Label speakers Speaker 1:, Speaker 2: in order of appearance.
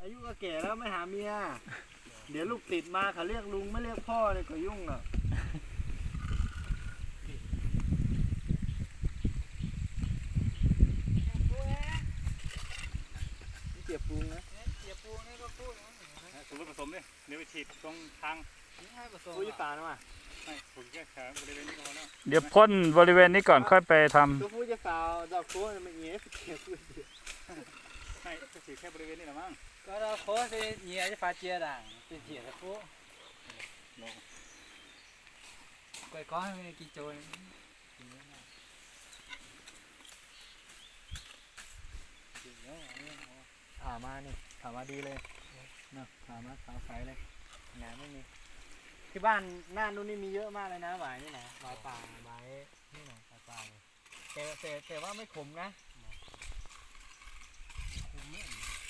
Speaker 1: อายุก็แก่แล้วไม่หาเมียเดี๋ยวลูกติดมาเขาเรียกลุงไม่เรียกพ่อเลยก็ยุ่งอ่ะนี่เจียบปูนะเจียบปูนี่ก็พูดนะ
Speaker 2: สมมติผสมเนี่ยเดี๋ยวไปฉีดตรงทาง
Speaker 1: นี่ให้ผสมปุ๋ยป่านะมา
Speaker 2: ไม่ถูกแค่แถวบริเวณนี้ก็พอแล้ว
Speaker 3: เดี๋ยวพ่นบริเวณนี้ก่อนค่อยไปทำ
Speaker 1: ตัวผู้จะฝ่าดอกโค้ดมันเงี้ยเจียบปู
Speaker 2: ไม่จะฉีดแค่บริเวณนี้หรอมั้ง
Speaker 1: ก็ดอกโค้ดจะเงี้ยจะฝ่าเจียด่างจะเจียดปูกล้วยก้อนไม่กี่โจยผ่ามานี่ผ่ามาดีเลยนะผ่ามาขาวใสเลยงานไม่มีที่บ้านหน้านู้นนี่มีเยอะมากเลยนะหวายนี่นะหวายป่าหวายนี่นะหวายป่าแต่ว่าไม่ขมนะขมเนี่ย